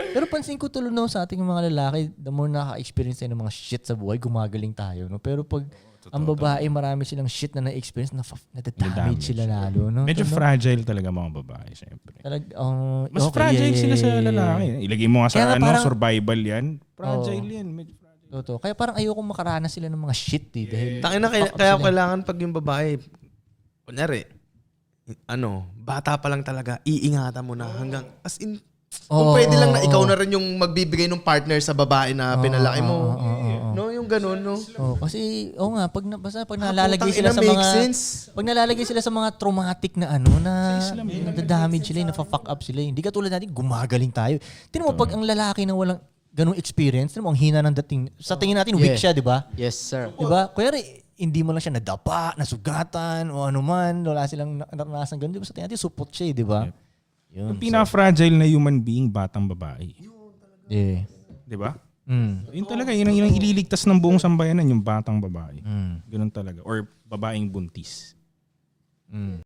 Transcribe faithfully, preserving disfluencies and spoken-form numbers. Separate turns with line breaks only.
Pero pansin ko tuloy no, sa ating mga lalaki, the more nakaka-experience tayo ng mga shit sa buhay, gumagaling tayo. No? Pero pag
Totoo,
ang babae, marami silang shit na na-experience, na na-damage sila lalo. No?
Medyo
Tama?
fragile talaga mga babae, syempre.
Talag, uh,
Mas
okay,
fragile
yeah,
sila
yeah,
sa
yeah,
lalaki.
yeah.
Ilagay mo nga sa
Kaya nga
ano,
parang-
survival yan. Fragile
Oo.
yan. Medyo fragile.
Totoo. Kaya parang ayoko makaranas sila ng mga shit eh. Dahil
Takin na, kaya,
fuck up
kaya
sila.
kailangan pag yung babae, kunyari, ano, bata pa lang talaga, iingatan mo na hanggang, as in, kung
Oo,
pwede lang na
oo,
ikaw
oo.
na rin yung magbibigay ng partner sa babae na pinalaki mo.
oo, oo, oo.
No, yung ganun, no?
Oh, kasi oo nga pag na, basta pag
Ah,
nalalagay
putang
sila
ina,
sa
make
mga
sense.
pag nalalagay sila sa mga traumatic na ano na nadadamage sila, na-fuck up sila. Hindi katulad natin gumagaling tayo. Tingnan mo pag ang lalaki na walang ganung experience, tingnan mo ang hina ng dating. Sa tingin natin weak
Yeah.
siya, 'di ba?
Yes, sir.
'Di ba? Kuya hindi mo lang siya nadapa, nasugatan o ano man, wala silang naranasan ganun. Di ba sa tingin natin supot siya, eh, 'di ba? Yun.
Yung pinaka-fragile na human being, batang babae.
Yeah.
Di ba?
Mm.
Yun talaga, yun ang, yun ang ililigtas ng buong sambayanan, yung batang babae.
Mm.
Ganun talaga. Or babaeng buntis.
Mm.